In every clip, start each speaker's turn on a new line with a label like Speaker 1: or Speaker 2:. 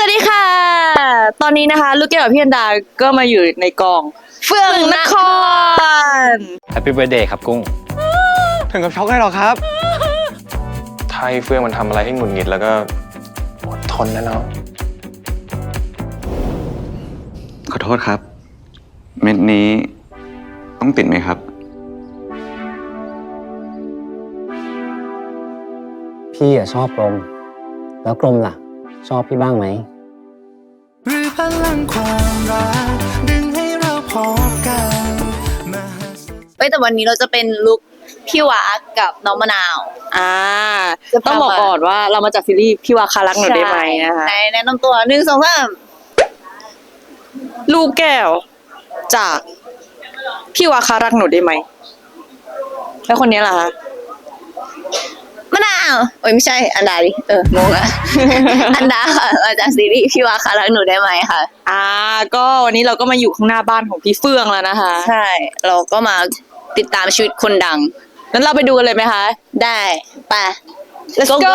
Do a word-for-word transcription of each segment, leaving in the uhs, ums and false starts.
Speaker 1: วัสดีค่ะตอนนี้นะคะลูกแก้วกับพี่อันดาก็มาอยู่ในกองเฟื่องนคร
Speaker 2: Happy Birthday ครับกุ้งถึงกับช็อกได้หรอครับถ้าให้เฟื่องมันทำอะไรให้หงุดหงิดแล้วก็อดทนนะเนาะ
Speaker 3: ขอโทษครับเม็ดนี้ต้องติดไหมครับ
Speaker 4: พี่อะชอบกลมแล้วกลมล่ะชอบพี่บ้างไหม
Speaker 5: หรือพลังความรักดึงให้เราพบกัน
Speaker 6: เอ้ยแต่วันนี้เราจะเป็นลุคพี่วากับน้องมะนาว
Speaker 1: อ่าต้องบอกก่อนว่าเรามาจากซีรีส์พี่วาคารักหนูได้ไหมนะคะ
Speaker 6: ในแนะนำตัวหนึ่งสองสาม
Speaker 1: ลูกแก้วจากพี่วาคารักหนูได้ไหมแล้วคนนี้ล่ะคะ
Speaker 6: มะนาวโอ้ยไม่ใช่อันดาดิเอองงอะ อันดาค่ะมาจากซีรีส์พี่วาคารักหนูได้ไหมค่ะ
Speaker 1: อ่าก็วันนี้เราก็มาอยู่ข้างหน้าบ้านของพี่เฟื่องแล้วนะคะ
Speaker 6: ใช่เราก็มาติดตามชีวิตคนดัง
Speaker 1: งั้นเราไปดูกันเลยไหมคะ
Speaker 6: ได้ไป
Speaker 1: let's go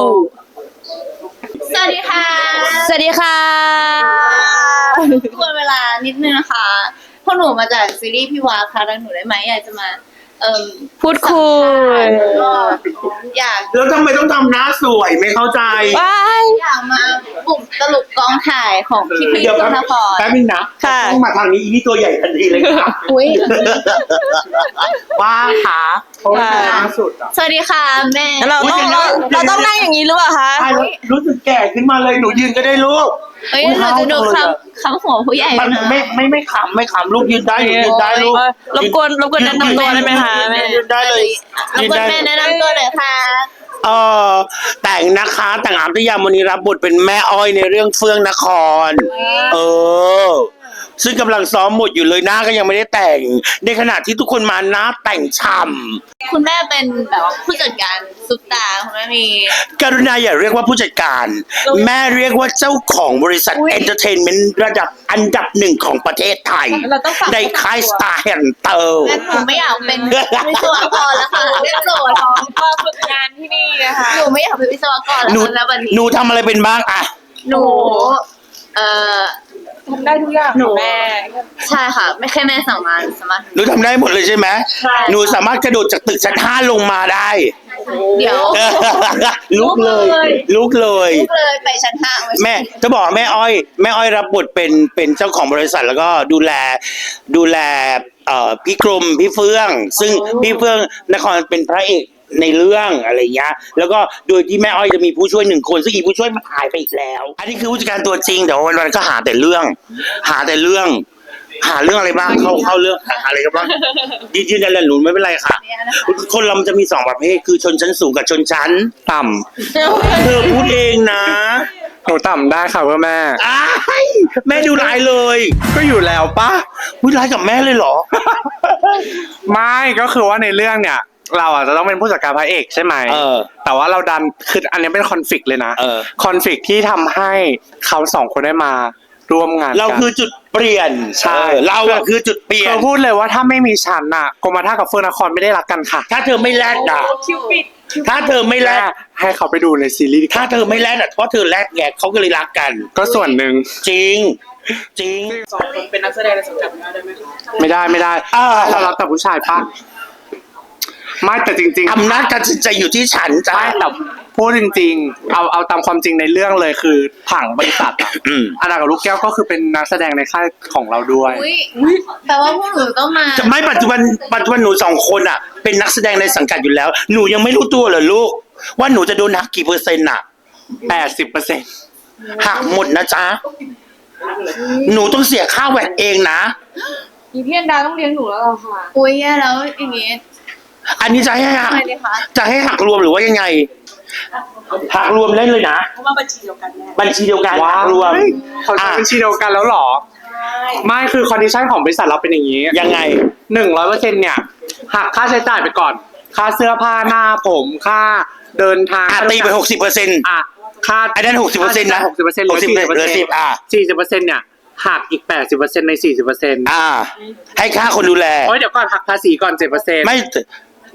Speaker 6: สวัสดีค่ะ
Speaker 1: สวัสดีค่ะ
Speaker 6: ทวนเวลานิดนึงนะคะพวกหนูมาจากซีรีส์พี่วาคารักหนูได้ไหมอยากจะมาเอ่อ
Speaker 1: พูดคุย
Speaker 6: อยาก
Speaker 7: แล้วทำไมต้องทำหน้าสวยไม่เข้าใจ
Speaker 6: อยากมาบุกตลุกกองถ่ายของพี่พี่ธนพร
Speaker 7: แป๊บนึงนะต้องมาทางนี้อีนี่ตัวใหญ่ทันทีเลยค่ะ
Speaker 6: อุ้ย
Speaker 7: ว่าขาเพราะว่าล่าสุดอ่ะ
Speaker 6: สวัสดีค่ะแม่
Speaker 1: เราต้องเราเราต้องนั่งอย่างนี้หรือเปล่าคะ
Speaker 7: รู้สึกแก่ขึ้นมาเลยหนูยืนก็ได้ลูก
Speaker 6: เฮ้ยเราจะดูคำคำหัวผู้ใหญ่นะ
Speaker 7: ไม่ไม่ไม่ขำไม่ขำลูกยืนได้ยืนได้ลูก
Speaker 1: รบกวนรบกวนแนะนำตัวได้ไหมคะแม่
Speaker 7: ยืนได้เลย
Speaker 6: รบกวนแม่แนะนำตัวหน่อยค่ะ
Speaker 7: เออแต่งนะคะแต่งอาบที่ยามวันนี้รับบทเป็นแม่อ้อยในเรื่องเฟื่องนครเออซึ่งกำลังซ้อมหมดอยู่เลยหน้าก็ยังไม่ได้แต่งในขณะที่ทุกคนมาหน้าแต่งช่ำ
Speaker 6: คุณแม่เป็นแบบว่าผู้จัดการซุปตาคุณแม่มี
Speaker 7: กรุณาอย่าเรียกว่าผู้จัดการแม่เรียกว่าเจ้าของบริษัทเอนเตอร์เทนเมนต์ระดับอันดับหนึ่งของประเทศไทยในค่ายสตาร์แอนด์เตอร์
Speaker 6: แม่ผมไม่อยากเป็นวิศวกรแล้วค่ะเรียกโจทย์
Speaker 1: มาฝึกงานที่นี่นะคะ
Speaker 6: หนูไม่อยากเป็นวิศวกรแล้ววันนี้
Speaker 7: หนูทำอะไรเป็นบ้างอะ
Speaker 6: หนูเอ่อ
Speaker 1: ทำได้ทุกอย่าง
Speaker 6: หนูแม่ใช่ค่ะไม่แค่แม่สั่งมาสามารถ
Speaker 7: หนูทำได้หมดเลยใช่ไหมหนูสามารถกระโดดจากตึกชั้นห้าลงมาได้
Speaker 6: เดี๋ยว
Speaker 7: ลุกเลยลุกเลย
Speaker 6: ลุกเลยไปชั้นห้า
Speaker 7: แม่จะบอกแม่อ้อยแม่อ้อยรับบทเป็นเป็นเจ้าของบริษัทแล้วก็ดูแลดูแลเอ่อพี่กรมพี่เฟื่องซึ่งพี่เฟื่องนครเป็นพระเอกในเรื่องอะไรเงี้ยแล้วก็โดยที่แม่อ้อยจะมีผู้ช่วยหนึ่งคนซึ่งอีผู้ช่วยมาหายไปอีกแล้วอันนี้คือผู้จัดการตัวจริงแต่วันวันก็หาแต่เรื่องหาแต่เรื่องหาเรื่องอะไรบ้างเข้าเข้าเรื่องหาอะไรกันบ้างยืนยันเลยหนูไม่เป็นไรค่ะคนเราจะมีสองประเภทคือชนชั้นสูงกับชนชั้นต่ำเธอพูดเองนะ
Speaker 2: หนูต่ำได้ค่ะเพื่อแม่
Speaker 7: แม่ดูร้ายเลย
Speaker 2: ก็อยู่แล้วปะ
Speaker 7: พูดร้ายกับแม่เลยเหรอ
Speaker 2: ไม่ก็คือว่าในเรื่องเนี่ยเราอ่ะจะต้องเป็นผู้จัดการพระเอกใช่ไหม
Speaker 7: เออ
Speaker 2: แต่ว่าเราดันคืออันนี้เป็นคอนฟลิกต์เลยนะ
Speaker 7: เออ
Speaker 2: คอนฟลิกต์ที่ทำให้เขาสองคนได้มาร่วมงาน
Speaker 7: เราคือจุดเปลี่ยน
Speaker 2: ใช่
Speaker 7: เราอ่ะคือจุดเปลี่ยน
Speaker 2: เขาพูดเลยว่าถ้าไม่มีฉันน่ะกรมท่ากับเฟื่องนครไม่ได้รักกันค่ะ
Speaker 7: ถ้าเธอไม่แลดอ่ะ
Speaker 1: คิวปิด
Speaker 7: ถ้าเธอไม่แลด
Speaker 2: ให้เขาไปดูในซีรีส์
Speaker 7: ถ้าเธอไม่แลดอ่ะเพราะเธอแลดแกเขาก็เลยรักกัน
Speaker 2: ก็ส่วนหนึ่ง
Speaker 7: จริงจริง
Speaker 1: สองคนเป็นนักแสดงในสังกัดได้ไหมคะ
Speaker 2: ไม่ได้ไม่ได้เรารับแต่ผู้ชายปะไม่แต่จริง
Speaker 7: ๆอำนาจการตัดสินใจอยู่ที่ฉันจ้ะ
Speaker 2: แต่พูดจริงๆเอาเอาตามความจริงในเรื่องเลยคือผังบริษัทอ่ะอันนั้นกับลูกแก้วก็คือเป็นนักแสดงในค่ายของเราด้วย
Speaker 6: แปลว่าพวกหนูต้องมา
Speaker 7: จะไม่ปัจจุบันปัจจุบันหนูสองคนอ่ะเป็นนักแสดงในสังกัดอยู่แล้วหนูยังไม่รู้ตัวเหรอลูกว่าหนูจะโดนหักกี่เปอร์เซ็นต์อ่ะ
Speaker 2: แปดสิบเปอร์เซ็นต์
Speaker 7: หักหมดนะจ๊ะหนูต้องเสียค่าแวดเองนะ
Speaker 1: อีพี่อันดาต้องเลี้ยงหนูแล้วเหรอคะ
Speaker 6: อุ้ยแย่แล้วอย่างงี้
Speaker 7: อันนี้จะให้หักจะให้หักรวมหรือว่ายังไงหักรวมเล่นเลยนะ
Speaker 1: เพราะว่าบัญชีเดียวกัน
Speaker 7: บัญชีเดียวกันรวม
Speaker 2: เขาใช้บัญชีเดียวกันแล้วหรอไม่คือคอนดิชั่นของบริษัทเราเป็นอย่างนี้
Speaker 7: ยังไง
Speaker 2: หนึ่งร้อยเปอร์เซ็นต์เนี่ยหักค่าใช้จ่ายไปก่อนค่าเสื้อผ้าหน้าผมค่าเดินทาง
Speaker 7: ตีไปหกสิบเปอร์เซ็นต์
Speaker 2: อ่ะค่า
Speaker 7: ไอ้นั่นหกสิบเปอร์เซ็นต์นะ
Speaker 2: หกสิบเปอร์เซ็นต์หรือสี่สิบเปอร์เซ็นต์อ่ะสี่สิบเปอร์เซ็นต์เนี่ยหักอีกแปดสิบเปอร์เซ็นต์ในสี่สิบเปอร์เซ็นต์
Speaker 7: อ่าให้ค่าคนดูแล
Speaker 2: โอ้ยเดี๋ยวก่อนหักภาษีก่อนเจ็ดเปอร์เซ็นต์
Speaker 7: ไม่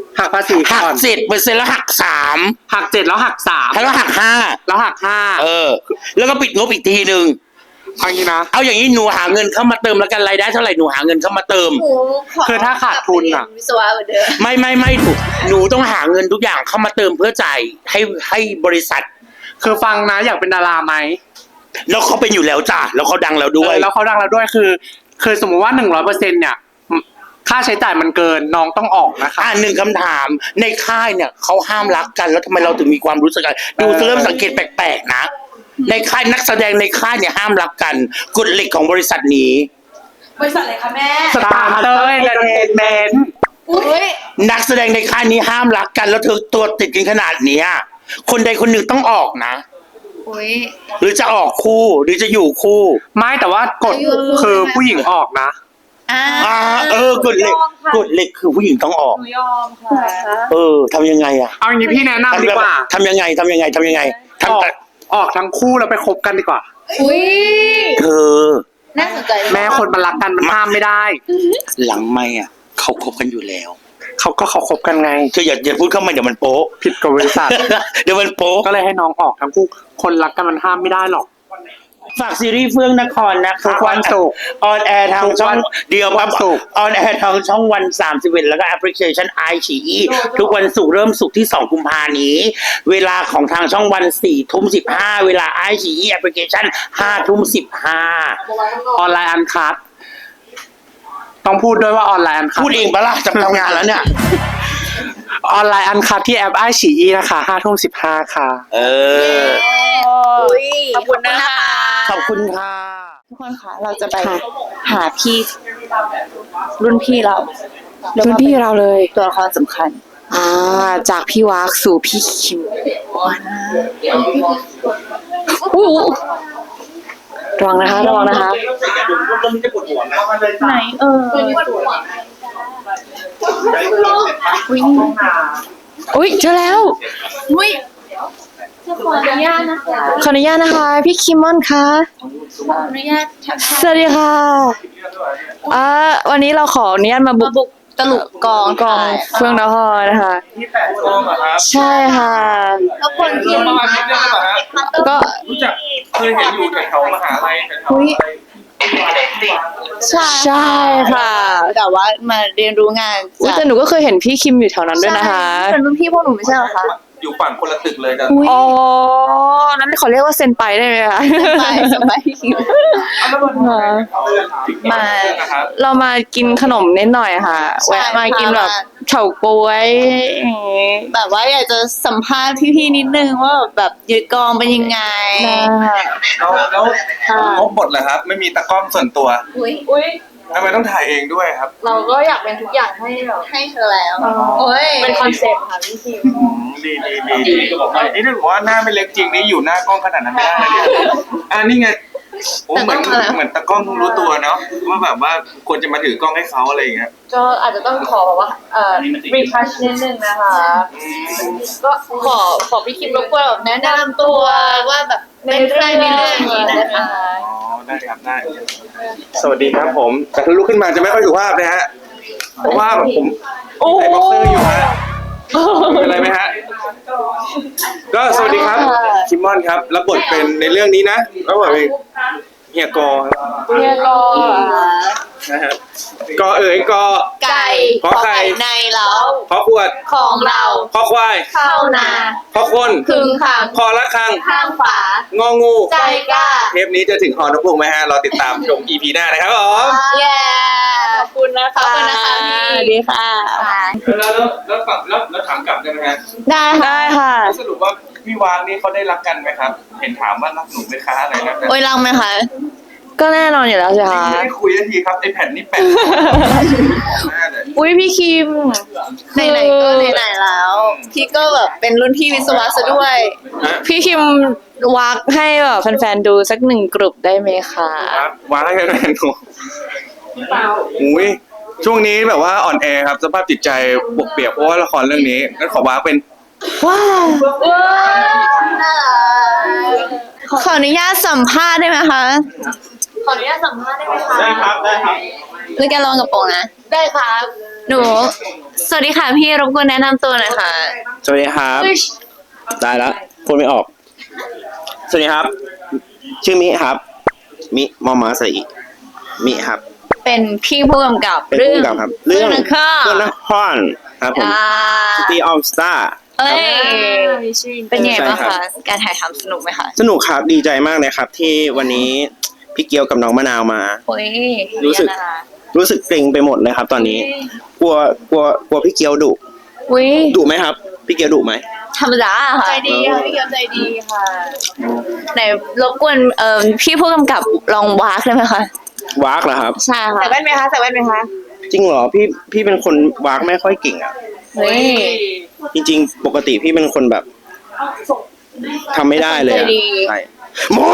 Speaker 8: หักภาษี
Speaker 7: หัก
Speaker 8: ก่อน
Speaker 7: เจ็ดเปอร์เซ็นต์แล้วหักสาม
Speaker 8: หักเจ็ดแล้วหักสาม
Speaker 7: แล้วหักห้า
Speaker 8: แล้วหักห้า
Speaker 7: เออ แล้วก็ปิดงบอีกทีหนึ่ง
Speaker 8: เอางี้นะ
Speaker 7: เอาอย่างนี้หนูหาเงินเข้ามาเติมแล้วกันรายได้เท่าไหร่หนูหาเงินเข้ามาเติม
Speaker 8: คือถ้าขาดทุนอะ
Speaker 6: วิศวะเหมือนเดิม
Speaker 7: ไม่ไม่ไม่หนูหนูต้องหาเงินทุกอย่างเข้ามาเติมเพื่อจ่ายให้ให้บริษัท
Speaker 8: คือฟังนะอยากเป็นดาราไหม
Speaker 7: แล้วเขาเป็นอยู่แล้วจ้ะแล้วเขาดังแล้วด้
Speaker 8: เอ
Speaker 7: วย
Speaker 8: อแล้วเขาดังแล้วด้วยคือ คือสมมุติว่าหนึ่งร้อยเปอร์เซ็นต์เนี่ยค่าใช้จ่ายมันเกินน้องต้องออกนะคะ
Speaker 7: อ่าหนึ่งคำถามในค่ายเนี่ยเขาห้ามรักกันแล้วทำไมเราถึงมีความรู้สึกกันดูเริ่มสังเกตแปลกๆนะในค่ายนักแสดงในค่ายเนี่ยห้ามรักกันกฎเหล็กของบริษัทนี้
Speaker 1: บริษัทอะไรคะแม่
Speaker 8: สตาร์เตอร์เอนเตอร์เทนเมนต์
Speaker 1: อุ้ย
Speaker 7: นักแสดงในค่ายนี้ห้ามรักกันแล้วเธอตัวติดกันขนาดเนี้ยคนใดคนหนึ่งต้องออกนะ
Speaker 6: อุ้ย
Speaker 7: หรือจะออกคู่หรือจะอยู่คู่
Speaker 8: ไม่แต่ว่ากฎคือผู้หญิงออกนะ
Speaker 6: อ่า
Speaker 7: อ่าเออกฎเหล็กกฎเหล็กคือผู้หญิงต้องออก
Speaker 1: หนูยอมค่ะ
Speaker 7: เออทำยังไงอะ
Speaker 8: เอาอย่างนี้พี่แนะนำดีกว่า
Speaker 7: ทำยังไงทำยังไงทำยังไง
Speaker 8: ออก
Speaker 7: ทำแต่
Speaker 8: ออกทั้งคู่แล้วไปคบกันดีกว่า
Speaker 6: อุ้ย
Speaker 7: เธอ
Speaker 6: น่าสนใจ
Speaker 8: แม้คนมันรักกันมันห้ามไม่ได้
Speaker 7: หลังไม่อะเขาคบกันอยู่แล้ว
Speaker 8: เขาก็เขาคบกันไง
Speaker 7: เธออย่าอย่าพูดเข้ามาเดี๋ยวมันโป๊ะ
Speaker 8: ผิดกับบริษัท
Speaker 7: เดี๋ยวมันโป๊ะ
Speaker 8: ก็เลยให้น้องออกทั้งคู่ คนรักกันมันห้ามไม่ได้หรอก
Speaker 7: ฝากซีรีส์เฟื่องนครนะคะ
Speaker 8: ทุกวันศุกร์
Speaker 7: ออนแอร์ทางช่องเดียว
Speaker 8: ทุกวันศุกร์
Speaker 7: ออนแอร์ทางช่องวันสามสิบเอ็ดแล้วก็แอปพลิเคชันไอฉีอีทุกวันศุกร์เริ่มศุกร์ที่สองกุมภานี้ เวลาของทางช่องวันสี่ทุ่มสิบห้าเวลาไอฉีอีแอปพลิเคชันห้าทุ่มสิบห้า
Speaker 8: ออนไลน์อันคัดต้องพูดด้วยว่าออนไลน์อันคัด
Speaker 7: พูดเองปะล่ะจะทำงานแล้วเนี่ย
Speaker 8: ออนไลน์อันคัดที่แอปไอฉีอีนะคะห้าทุ่มสิบห้าค่ะ
Speaker 7: เออ
Speaker 6: อุ้ย
Speaker 1: ขอบคุณนะคะ
Speaker 7: ขอบคุณค่ะ
Speaker 6: ทุกคนคะเราจะไปหาพี่ รุ่นพี่เรา
Speaker 1: รุ่นพี่เราเลย
Speaker 6: ตัวละครสำคัญ
Speaker 1: อ่า จากพี่วากสู่พี่คิมอู้ระวังนะคะ ระวังนะคะ
Speaker 6: ไหนเออ
Speaker 1: อุ้ยเจอแล้ว
Speaker 6: อุ้ยขออนุญาตนะคะ
Speaker 1: ขออนุญาตนะคะ พี่คิมมอนคะ
Speaker 6: ขออนุญาตทักทาย
Speaker 1: สวัสดีค่ะอ่าวันนี้เราขออนุญาตมาบุ
Speaker 6: มาก บุกตลุกกอง
Speaker 1: กองเฟื่องนครนะคะ
Speaker 2: ที่แปดกองเหรอครับ
Speaker 1: ใช่ค่ะ
Speaker 6: แล้วคนที่
Speaker 2: ประมาณนี้ได้ไหมครับ
Speaker 1: ก็
Speaker 2: รู้จักเคยเห็นอยู่แถวๆมหาลัยแถวๆ
Speaker 1: อุ๊ย
Speaker 6: ใช่
Speaker 1: ใช่ค่ะ
Speaker 6: แต่ว่ามาเรียนรู้งาน
Speaker 1: อุ๊ย
Speaker 6: จาก
Speaker 1: แต่หนูก็เคยเห็นพี่คิมอยู่แถวนั้นด้วยนะคะ
Speaker 6: ใช่เป็นรุ่นพี่พวกหนูไม่ใช่เหรอคะ
Speaker 2: อยู่ฝั่งคนละตึกเลยกัน
Speaker 1: อ๋อ นั้นขอเรียกว่าเซนไปได้ไหมคะ
Speaker 6: ไปสบายคิว มา
Speaker 2: นะครับ
Speaker 1: เรามากินขนมนิดหน่อยค่ะ
Speaker 6: ใช่
Speaker 1: แวะมากิน
Speaker 6: ค่ะ
Speaker 1: แบบเฉาก๊วยอย่างงี้
Speaker 6: แบบว่าอยากจะสัมภาษณ์พี่ๆนิดนึงว่าแบบยึดกองเป็นยังไง
Speaker 2: แล้วแล้วงบบทเหรอครับ ไม่มีตากล้องส่วนตัว
Speaker 6: อุ้ย
Speaker 1: อุ้ย
Speaker 2: ทำไมต้องถ่ายเองด้วยครับ
Speaker 1: เราก็อยากเป็นทุกอย่างให้แบบ
Speaker 6: ให้เธอแล้ว โอ้ย
Speaker 1: เป็นคอนเซ็ปต์ค่ะพี่คิม
Speaker 2: ดีดีดีดีนี่ถือว่าหน้าไม่เล็กจริงนี่อยู่หน้ากล้องขนาดนั้นไม่ได้เลยเนี่ยอ่านี่ไงโอ้เหมือนเหมือนตากล้องเพิ่งรู้ตัวเนาะว่าแบบว่าควรจะมาถือกล้องให้เขาอะไรอย่างเงี้ย
Speaker 1: ก็อาจจะต้องขอแบบว่าเอ่อรีทัชนิดนึงนะคะ ก็ขอขอพี่คิมรบกวนแบบแนะนำตัว
Speaker 6: ว่าแบบเป็นใครในเรื่องนี้นะคะ
Speaker 2: อ๋อได้ครับได้ สวัสดีครับผมแต่ถ้าลุกขึ้นมาจะไม่ค่อยสุภาพนะฮะเพราะว่าแบบผมใส่บ็อกเซอร์อยู่ฮะเป็นไรไหมฮะก็สวัสดีครับคิมมอนครับรับบทเป็นในเรื่องนี้นะรับบทเป็นเฮียกอครับ
Speaker 1: เฮียกอ
Speaker 2: นะฮะกอเอ๋ยกอ
Speaker 6: ไก่
Speaker 2: ขอไข่
Speaker 6: ในเล้า
Speaker 2: ขอขวด
Speaker 6: ของเรา
Speaker 2: ขอควาย
Speaker 6: เข้านา
Speaker 2: ขอคน
Speaker 6: พึงขัง
Speaker 2: คอละคัง
Speaker 6: ข้างฝาง
Speaker 2: องู
Speaker 6: ใจกล้า
Speaker 2: เทปนี้จะถึงฮอนกพุงไหมฮะรอติดตามชม อี พี หน้านะครับผม
Speaker 6: เย้
Speaker 1: ขอบคุณนะคะ
Speaker 6: ขอบคุณนะคะพี่
Speaker 1: สวัสดีค่ะ
Speaker 2: แล้วแล้วแล้วฝั่งแล้วแล้วถามกลับได้ไหมฮะ
Speaker 6: ได้ค่ะ
Speaker 1: ได้ค่ะ
Speaker 2: สรุปว่าพี่วางนี่เขาได้รักกันไหมครับ เห็นถามว่ารักหนูไหมคะอะไรนะ
Speaker 6: โอ้ยรังไหมคะ
Speaker 1: ก็แน่นอนอยู่แล้วสิคะ
Speaker 2: ไม่ได้คุยทันทีครับไอแผ่นนี่แปะหน้าเลย
Speaker 1: อุ้ยพี่คิม
Speaker 6: ไหนๆก็ไหนๆแล้ว พี่ก็แบบเป็นรุ่นพี่วิศวะซะด้วย
Speaker 2: ฮะ
Speaker 1: พี่คิมวักให้แบบแฟนๆดูสักหนึ่งกลุ่มได้ไหมคะ
Speaker 2: ครับวางให้แฟนหนูอุ้ยช่วงนี้แบบว่าอ่อนแอครับสภาพจิตใจบวกเปียกเพราะว่าละครเรื่องนี้งั้นขอวางเป็น
Speaker 1: ว้าว
Speaker 6: ขออนุญาตสัมภาษณ์ได้ไหมคะ
Speaker 1: ขออนุญาตสัมภาษณ์ได้ไหมคะ
Speaker 2: ได้ครับได้ครับ
Speaker 6: ด้วยการลองกระโปรงนะ
Speaker 1: ได้ครับ
Speaker 6: หนู สวัสดีค่ะพี่รบกวนแนะนำตัวหน่อยค่ะ
Speaker 7: สวัสดีครับได้แล้วพูดไม่ออก สวัสดีครับ ชื่อมิครับ มิมอมาสระอีมิครับ
Speaker 6: เป็นพี่ผู้กำกับ
Speaker 7: เป็นผู้กำกับครับ
Speaker 6: เรื่องนคร
Speaker 7: เรื่องนครครับผม
Speaker 6: อ่า
Speaker 7: City of Star
Speaker 6: เอ้ยเป็นยังไงบ้าง
Speaker 7: ใช่ครั
Speaker 6: คะ
Speaker 7: บ
Speaker 6: การถ่ายทำสนุกไหมคะ
Speaker 7: สนุกครับดีใจมากเลยครับ ที่วันนี้พี่เกียวกับน้องมะนาวมา
Speaker 6: โอ้ย
Speaker 7: รู้สึก รู้สึกเกรงไปหมดเลยครับ ตอนนี้ กลัวกลัวกลัวพี่เกียวดุ
Speaker 6: อุ้ย
Speaker 7: ดุไหมครับ พี่เกียวดุไหม
Speaker 6: ธรรมดาค่ะ
Speaker 1: ใจดีค่ะพี่เกียวใจดีค่ะ
Speaker 6: ไหนรบกวนเอ่อพี่ผู้กำกับลองวากได้ไหมคะ
Speaker 7: วากเหรอครับ
Speaker 6: ใช่ค่ะ
Speaker 1: ใส่แว่นไหมคะใส่แว่นไหมคะ
Speaker 7: จริงเหรอพี่พี่เป็นคนวากไม่ค่อยเก่งอ่ะ
Speaker 6: เฮ้ย
Speaker 7: จริงๆ ปกติพี่เป็นคนแบบทำไม่ได้เลยอะ
Speaker 6: ใจดี
Speaker 7: ใช่หมอ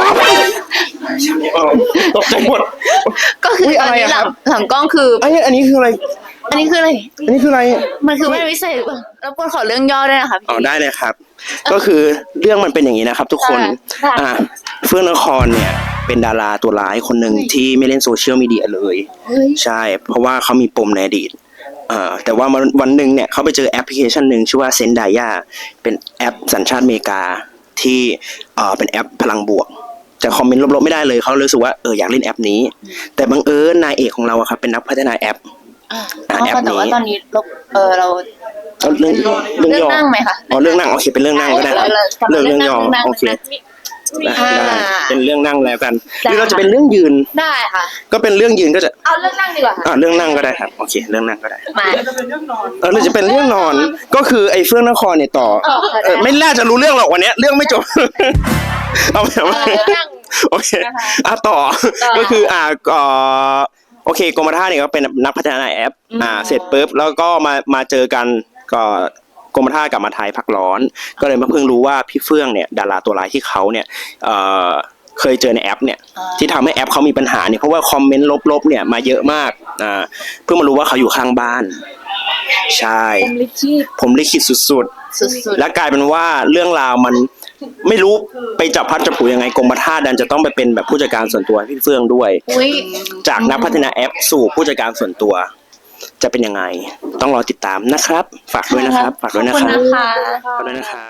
Speaker 7: ตกใจหมด
Speaker 6: ก็คือ
Speaker 7: อุ๊ย
Speaker 6: ต
Speaker 7: อะ
Speaker 6: อน
Speaker 7: ไร
Speaker 6: นี้
Speaker 7: อะ
Speaker 6: ห
Speaker 7: ครั
Speaker 6: ลั
Speaker 7: บ
Speaker 6: งหลังกล้องคือ
Speaker 7: ไอ้อันนี้คืออะไร
Speaker 6: อันนี้คืออะไร
Speaker 7: อันนี้คืออะไร
Speaker 6: มันคือแว่นวิเศษหรือเปล่ารบกวนขอเรื่องย่อด้วยนะคะพี่
Speaker 7: อ๋อได้เลยครับ ก็คือเรื่องมันเป็นอย่างนี้นะครับ ทุกคน
Speaker 6: ค่ะ
Speaker 7: อ่าเฟื่องนครเนี่ย เป็นดาราตัวร้ายคนหนึ่งที่ไม่เล่นโซเชียลมีเดียเลย ใช่ เพราะว่าเขามีปมในอดีตเอ่อแต่ว่าวันวันหนึ่งเนี่ยเขาไปเจอแอปพลิเคชันหนึ่งชื่อว่าเซนไดยาเป็นแอปสัญชาติอเมริกาที่เอ่อเป็นแอปพลังบวกจะคอมเมนต์ลบๆไม่ได้เลยเขาเลยรู้สึกว่าเอออยากเล่นแอปนี้ แต่บังเอิญนายเอกของเราอะครับเป็นนักพัฒนาแอป
Speaker 6: อ่า
Speaker 7: อ่าแอป
Speaker 6: แต่ว่า
Speaker 7: นี้
Speaker 6: ตอนนี้เราเออเรา
Speaker 7: เอาเรื่องเรื่อง
Speaker 6: เรื่อง
Speaker 7: ย่อ
Speaker 6: นั่งไหมคะ
Speaker 7: อ๋อเรื่องนั่งโอเคเป็นเรื่องนั่งก็ได้ครับ
Speaker 6: เรื่
Speaker 7: เรื่อง
Speaker 6: อง
Speaker 7: เรื่องย่อ
Speaker 6: เรื่องนั่ง
Speaker 7: โอเค
Speaker 6: เรื่องนั่ง
Speaker 7: ได้
Speaker 6: อ่า
Speaker 7: ได้เป็นเรื่องนั่งแล้วกัน
Speaker 6: ได้
Speaker 7: หรือเราจะเป็นเรื่องยืน
Speaker 6: ได้ค่ะ
Speaker 7: ก็เป็นเรื่องยืนก็จะ
Speaker 1: เอาเรื่องนั่งดีกว่าค่ะ
Speaker 7: อ่าเรื่องนั่งก็ได้ครับโอเคเรื่องนั่งก็ได้
Speaker 6: มา
Speaker 7: เออเราจะเป็นเรื่องนอนก็คือไอ้เฟื่องนครเนี่ยต่อ
Speaker 1: เออค่ะ
Speaker 7: เออไม่น่าจะรู้เรื่องหรอกวันเนี้ยเรื่องไม่จบ เอาไปเอา
Speaker 1: เอ
Speaker 7: ไป
Speaker 1: อเรื่องนั่ง
Speaker 7: โอเค
Speaker 1: นะคะ
Speaker 7: อ่ะต่อ
Speaker 1: ต่อ
Speaker 7: ก็คืออ่าเอ่อโอเคกรมท่าเนี่ยก็เป็นนักพัฒนาแอป อ่า เสร็จปุ๊บแล้วก็มามาเจอกันก็กรมท่ากลับมาไทยพักร้อน ก็เลยมาเพิ่งรู้ว่าพี่เฟื่องเนี่ยดาราตัวร้ายที่เขาเนี่ยเอ่อเคยเจอในแอปเนี่ย ที่ทำให้แอปเขามีปัญหาเนี่ยเพราะว่าคอมเมนต์ลบๆเนี่ยมาเยอะมากอ่าเพิ่งมารู้ว่าเขาอยู่ข้างบ้าน ใช่
Speaker 6: ผมลิขิต
Speaker 7: ผมลิขิตสุด
Speaker 6: สุด
Speaker 7: ๆ และกลายเป็นว่าเรื่องราวมันไม่รู้ไปจับพัดจับผูยังไงกรมท่าดันจะต้องไปเป็นแบบผู้จัดการส่วนตัวให้พี่เฟื่องด้วย
Speaker 6: ๆอุ้ย
Speaker 7: จากนักพัฒนาแอปสู่ผู้จัดการส่วนตัว จะเป็นยังไง ต้องรอติดตามนะครับ ฝากด้วยนะครับ ฝากด้วยนะ
Speaker 6: ขอบ
Speaker 7: ค
Speaker 6: คุณ
Speaker 7: รับ
Speaker 6: นะคะ
Speaker 7: ฝากด้วยนะครับ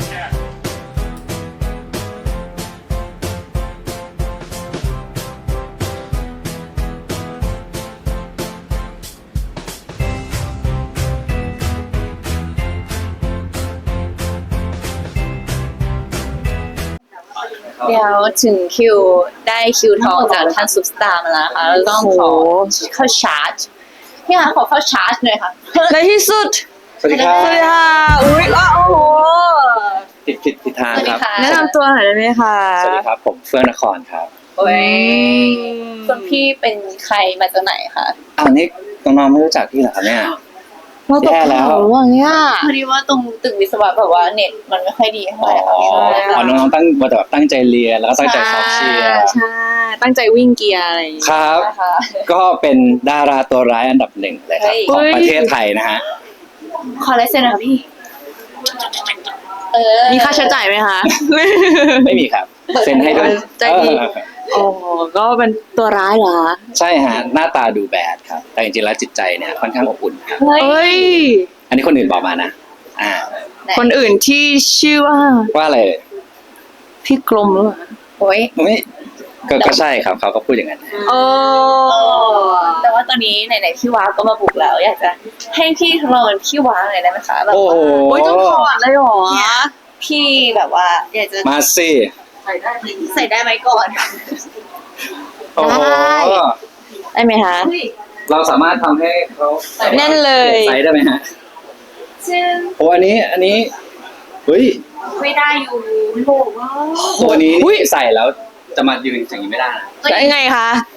Speaker 6: เดี๋ยวถึงคิวได้คิวทองจากท่านซุปสตาร์มาแล้วนะคะเราต้องขอเข้าชาร์จพี่คะขอเข้าชาร์จหน่อยค่ะ
Speaker 3: ในที่สุด
Speaker 2: สวัสดีครับ
Speaker 3: สวัสดีค่ะ อุ้ยอ้าวโอ้โห
Speaker 2: ผิดผิดผิดทาง
Speaker 6: สวัส
Speaker 2: ค
Speaker 6: ดี
Speaker 2: รับ
Speaker 6: ค่ะ
Speaker 3: แนะนำตัวหน่อยได้ไหมคะ
Speaker 2: สวัสดีครับ ผมเฟื่องนครครับ
Speaker 6: โอ้ยคุณพี่เป็นใครมาจากไหนคะ
Speaker 2: อ้าวนี่น้องๆไม่รู้จักพี่เหรอครับเนี่ย
Speaker 3: เราตก
Speaker 2: แย่แล้ว
Speaker 3: ข่าวว่าเนี่ย
Speaker 6: พอดีว่าตรงตึกวิศวะแบบว่าเน็ตมันไม่ค่อยดีเท่าไหร่ค่ะ
Speaker 2: อ๋อ
Speaker 6: พี่
Speaker 2: อ๋อน้องๆตั้งว่าแต่แบบตั้งใจเรียนแล้วก็ตั้งใจซ้อมเชียร์
Speaker 3: ใช่ ตั้งใจวิ่งเกียร์อะไรอย่างเงี้ย
Speaker 2: ครับ
Speaker 6: นะคะ
Speaker 2: ก็เป็นดาราตัวร้ายอันดับหนึ่งเลยครับ
Speaker 6: เฮ้ย
Speaker 2: ของประเทศไทยนะฮะ
Speaker 6: ขอลายเซ็นหน่อยค่ะพี่ เออ
Speaker 3: มีค่าใช้จ่ายไหมคะ
Speaker 2: ไม่มีครับ เซ็นให้ด้วย
Speaker 3: ใจดี
Speaker 2: เออ
Speaker 3: โอ้ก็เป็นตัวร้ายเหรอ
Speaker 2: ใช่ฮะ หน้าตาดูแบดครับ แต่จริงๆแล้วจิตใจเนี่ยค่อนข้างอบอุ่นครับ
Speaker 6: เฮ้
Speaker 3: เอ้
Speaker 6: ย
Speaker 3: ย
Speaker 2: อันนี้คนอื่นบอกมานะ อ่า
Speaker 3: คนอื่นที่ชื่อว่า
Speaker 2: ว่าอะไรเอ่ย
Speaker 3: พี่กลมหรือเปล่า
Speaker 6: โอ้ย
Speaker 2: ไม่ก็ก็ใช่ครับเขาก็พูดอย่างนั้น
Speaker 3: โอ้
Speaker 6: แต่ว่าตอนนี้ไหนๆพี่ว้าก็มาบุกแล้ว อยากจะให้พี่ทดลองเป็นพี่ว้าหน่อยได้ไหมคะแบบ
Speaker 2: โอ้
Speaker 6: ว่า
Speaker 2: โห
Speaker 3: โอ้ยต้องถอดเลยเหรอ
Speaker 6: พี่แบบว่า อยากจะ
Speaker 2: มาสิ
Speaker 6: ใส่ได้ไหมก่อน
Speaker 2: โอ้โห
Speaker 3: ได้ไหมคะ
Speaker 2: เราสามารถทำให้เขา
Speaker 3: แน่นเลย
Speaker 2: ไซส์ได้ไหมฮะ
Speaker 6: ซึ่ง
Speaker 2: โอ้อันนี้อันนี้เฮ้ย
Speaker 6: ไม่ได้อยู่โหว่า
Speaker 2: ตัวนี้ใส่แล้วจะมายืนอย่างนี้ไม่ได้นะ
Speaker 3: ได้ไงคะ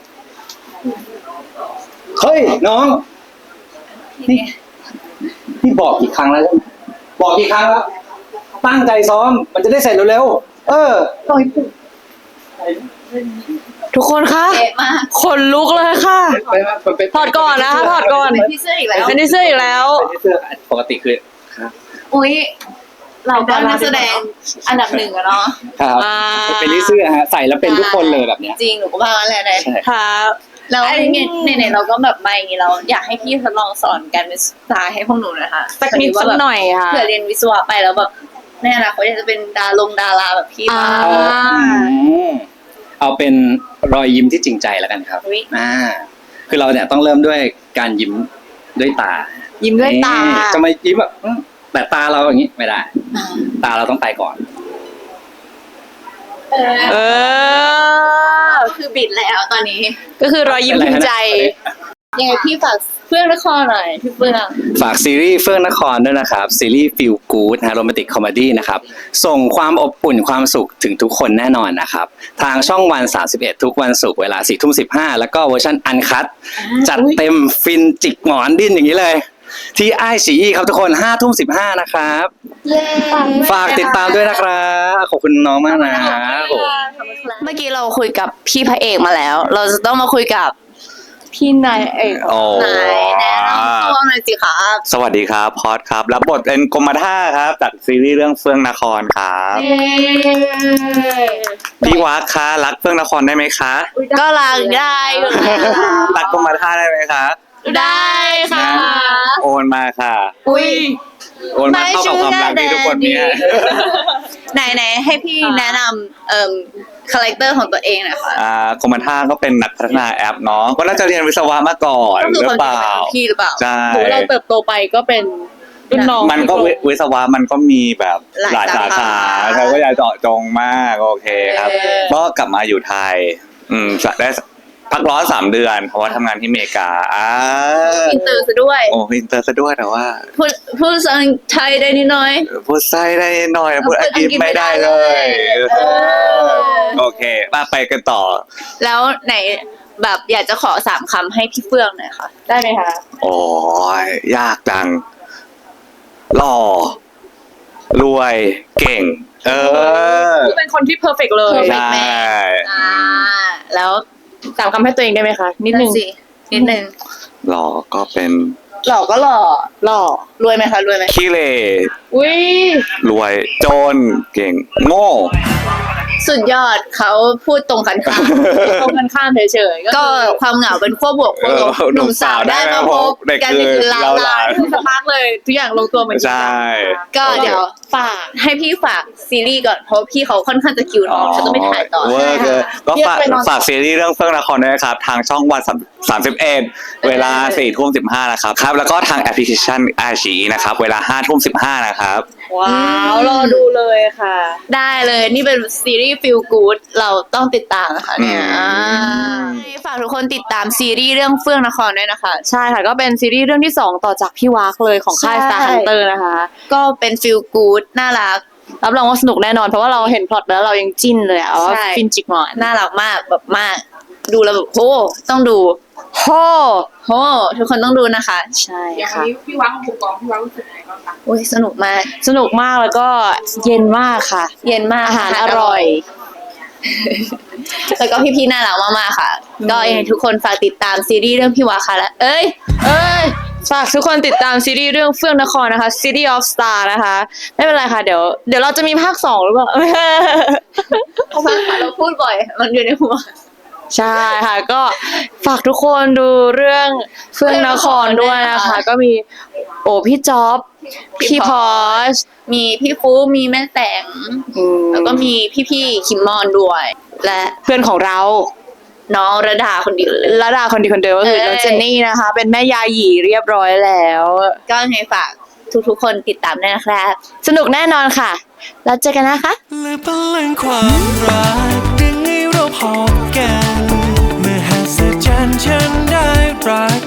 Speaker 2: เฮ้ยน้องนี่พี่บอกกี่ครั้งแล้วใช่ไหมบอกกี่ครั้งแล้วตั้งใจซ้อมมันจะได้เสร็จเร็วๆเออ
Speaker 3: ทุกคนคะ
Speaker 6: เป๊ะมาก
Speaker 3: ขนลุกเลยค่ะ
Speaker 2: ไปไปไป
Speaker 3: ถอดก่อนนะคะถอดก่อน
Speaker 6: เป็นพี่เสื้ออีกแล้ว
Speaker 3: เป็นที่เสื้ออีกแล้ว
Speaker 2: ไปที่เสื้อปกติคือ
Speaker 6: อุ้ยเราก็นักแสดงอันดับหนึ่งอะเนาะ
Speaker 2: ครับ
Speaker 3: อ่า
Speaker 2: เป็นที่เสื้อฮะใส่แล้วเป็นทุกคนเลยแบบเนี้ย
Speaker 6: จริงหนูก็ว่างั้นแหละนะ
Speaker 2: ใช่
Speaker 3: ครับ
Speaker 6: แล้วเนี่ยเนี่ยเราก็แบบมาอย่างนี้เราอยากให้พี่ทดลองสอนการเป็นสตาร์ให้พวกหนูหนะคะ
Speaker 1: สักนิดสักหน่อยค่ะ
Speaker 6: เผื่อเรียนวิศวะไปแล้วแบบในอนาคตอยากจะเป็นดาลงดาราแบบพี่
Speaker 1: อ่า
Speaker 6: บ้าง
Speaker 9: เอาเป็นรอยยิ้มที่จริงใจแล้วกันครับ
Speaker 6: อุ๊ย
Speaker 9: อ่าคือเราเนี่ยต้องเริ่มด้วยการยิ้มด้วยตา
Speaker 1: ยิ้มด้วยตา
Speaker 9: นี่จะมายิ้มแบบอืมแต่ตาเราอย่างนี้ไม่ได้ ตาเราต้องไปก่อน
Speaker 1: เออ
Speaker 6: คือบิดแล้วตอนนี้
Speaker 1: ก็คือรอยยิ้มภูมิใจ
Speaker 6: ยังไงพี่ฝากเฟื่องนครหน่อยพี่เฟื่อง
Speaker 9: ฝากซีรีส์เฟื่องนครด้วยนะครับ ซีรีส์ Feel Good นะโรแมนติกคอมเมดี้นะครับ ส่งความอบอุ่นความสุขถึงทุกคนแน่นอนนะครับ ทางช่องวัน สามสิบเอ็ด ทุกวันศุกร์เวลา สี่ทุ่มสิบห้า แล้วก็เวอร์ชันอันคัตจัดเต็มฟินจิกหมอนดิ้นอย่างนี้เลย ที่ไอซีอีครับทุกคน ห้าทุ่มสิบห้า นะครับ ฝากติดตามด้วยนะครับ ขอบคุณน้องมากนะโอ้
Speaker 6: เมื่อกี้เราคุยกับพี่พระเอกมาแล้ว เราจะต้องมาคุยกับพี่นายเอก
Speaker 3: โอ้
Speaker 6: นายแนะนำตัวหน่อยสิครับ
Speaker 3: สวัสดีครับพอดครับ รับบทเป็นกรมท่าครับ จากซีรีส์เรื่องเฟื่องนครครับ พี่วักคะรักเฟื่องนครได้ไหมคะ
Speaker 6: ก็ลางได้อยู่แล้ว
Speaker 3: รักกรมท่าได้ไหมคะ
Speaker 6: ได้ค่ะ
Speaker 3: โอนมาค่ะ
Speaker 6: อุ้ย
Speaker 3: โอนมาเข้ากับความรักที่ทุกคนมี
Speaker 6: ไหนไหนๆให้พี่แนะนำเอ่อคาแรคเตอร์ของตัวเองหน่อยค่ะ
Speaker 3: อ่ากรมท่าก็เป็นนักพัฒนาแอปเนาะก็น่าจะเรียนวิศวะมาก่อน
Speaker 6: ก็คือ
Speaker 3: หรื
Speaker 6: คน
Speaker 3: อเปล่า
Speaker 6: เป็นพี่หรือเปล่า
Speaker 3: ใช่
Speaker 1: หรือเราเติบโตไปก็เป็นรุ่นน้อง
Speaker 3: มันก็วิวิศวะมันก็มีแบบ
Speaker 6: หลาย
Speaker 3: หลายสา
Speaker 6: สา
Speaker 3: ขา
Speaker 6: ขา
Speaker 3: เธอก็อย่าเจาะจงมากโอเคครับ
Speaker 6: เออ
Speaker 3: ก็กลับมาอยู่ไทย อืมได้พักร้อนสามเดือน เพราะว่าทำงานที่อเมริกาอ่า
Speaker 6: อินเตอร์ซะด้วย
Speaker 3: โอ้อินเตอร์ซะด้วยแต่ว่า
Speaker 6: พูดพูดภาษาไทยได้นิดหน่อย
Speaker 3: พูดไส้ได้หน่อยพูดอังกฤษไม่ได้เลย
Speaker 6: เออ
Speaker 3: โอเคมาไปกันต่อ
Speaker 6: แล้วไหนแบบอยากจะขอสามคำให้พี่เฟื่องหน่อยค่ะ
Speaker 1: ได้ไหมคะ
Speaker 3: โอ้ยยากจังหล่อรวยเก่ง เออ
Speaker 1: คือเป็นคนที่เพอร์เฟกเลย
Speaker 6: perfect
Speaker 3: ใช่
Speaker 6: อ่า แล้ว
Speaker 1: สามคำให้ตัวเองได้ไหมคะ นิดนึง
Speaker 6: สินิดนึง
Speaker 3: หล่อก็เป็น
Speaker 6: หล่อก็หล่อ
Speaker 1: หล่อ
Speaker 6: รวยไหมคะรวยไหม
Speaker 3: ขี้เหร่
Speaker 1: อุ้ย
Speaker 3: รวยจนเก่งโง่
Speaker 6: สุดยอดเขาพูดตรงกันข้าม
Speaker 1: ตรงกันข้ามเฉยๆ
Speaker 6: ก็ความเหงาเป็นขั้วบวกขั้วลบ
Speaker 3: เออ
Speaker 6: หนุ่มสาวได้มาพบ
Speaker 3: เด็ก
Speaker 6: กัน
Speaker 3: คื
Speaker 6: ใน
Speaker 3: อ
Speaker 6: คืนลา
Speaker 3: เรา
Speaker 6: ลา
Speaker 3: ลา
Speaker 1: สักพักเลย ทุกอย่างลงตัวเหมือนกัน
Speaker 3: ใช่
Speaker 6: ก็เดี๋ยวฝากให้พี่ฝากซีรีส์ก่อนเพราะพี่เขาค่อนข้างจะคิวทองฉันต้องไปถ่ายต่อ
Speaker 3: เวอร์เกินก็ฝากฝากซีรีส์เรื่องเฟื่องนครด้วยนะครับ ทางช่องวันสามสิบเอ็ดเวลาสี่ทุ่มสิบห้านะครับครับ แล้วก็ทางแอปพลิเคชันไอชีนะครับ เวลาห้าทุ่มสิบห้านะครับ
Speaker 1: ว้าว รอดูเลยค่ะ
Speaker 6: ได้เลยนี่เป็นซีรีส์ Feel Good เราต้องติดตามนะคะเนี่ย
Speaker 3: อืม
Speaker 6: อ่าฝากทุกคนติดตามซีรีส์เรื่องเฟื่องนครด้วยนะคะ
Speaker 1: ใช่ค่ะ ก็เป็นซีรีส์เรื่องที่สองต่อจากพี่วากเลยของค่าย
Speaker 6: ใช่
Speaker 1: Star Hunter นะคะ
Speaker 6: ก็เป็น Feel Good น่ารัก
Speaker 1: รับรองว่าสนุกแน่นอน เพราะว่าเราเห็นพล็อตแล้วเรายังจิ้นเลยอะว่า
Speaker 6: ใช่
Speaker 1: ฟินจิกหมอน
Speaker 6: น่ารักมากแบบมาก ดูแล้วแบบโหต้องดู
Speaker 1: โห
Speaker 6: โหทุกคนต้องดูนะคะ
Speaker 1: ใช่
Speaker 10: อย่าง
Speaker 1: ค่ะ
Speaker 10: นี้พี่วังบุกกองพี่วังรู้สึกไงบ้างคะ
Speaker 6: โอ้ยสนุกมาก
Speaker 1: สนุกมากแล้วก็เย็นมากค่ะ
Speaker 6: เย็นมาก
Speaker 1: อาหารอร่อย
Speaker 6: แล้วก็พี่ๆน่ารักมากๆค่ะ ก็ยังไงทุกคนฝากติดตามซีรีส์เรื่องพี่วาค่ะและเอ้ย
Speaker 1: เอ้ย ฝากทุกคนติดตามซีรีส์เรื่องเฟื่องนครนะคะ City of Star นะคะ ไม่เป็นไรค่ะ เดี๋ยว เดี๋ยวเราจะมีภาคสองหรือเปล่า
Speaker 6: เพราะว่าเราพูดบ่อย มันอยู่ในหัว
Speaker 1: ใช่ค่ะ ก็ฝากทุกคนดูเรื่องเฟื่องนครด้วยนะคะ ก็มีโอ้พี่จ๊อบ
Speaker 6: พี่
Speaker 1: พี่
Speaker 6: พ
Speaker 1: พ
Speaker 6: อ
Speaker 1: อ
Speaker 6: ช มีพี่ฟูมีแม่แตง แล้วก็มีพี่ๆคิมมอนด้วย และ
Speaker 1: เพื่อนของเรา
Speaker 6: น้องระดาคนเดียวเลย
Speaker 1: ระดาคนดีคนเดิมก็คือ
Speaker 6: เอ้ย
Speaker 1: น้องเจนนี่นะคะ เป็นแม่ยาหยีเรียบร้อยแล้ว
Speaker 6: ก็ยังไงฝากทุกๆคนติดตามด้วยนะครับ
Speaker 1: สนุกแน่นอนค่ะ แล้วเจอกันนะคะ
Speaker 5: และพลังความรักดึงให้เราพบกัน เมื่อหัศจรรย์ฉันได้รัก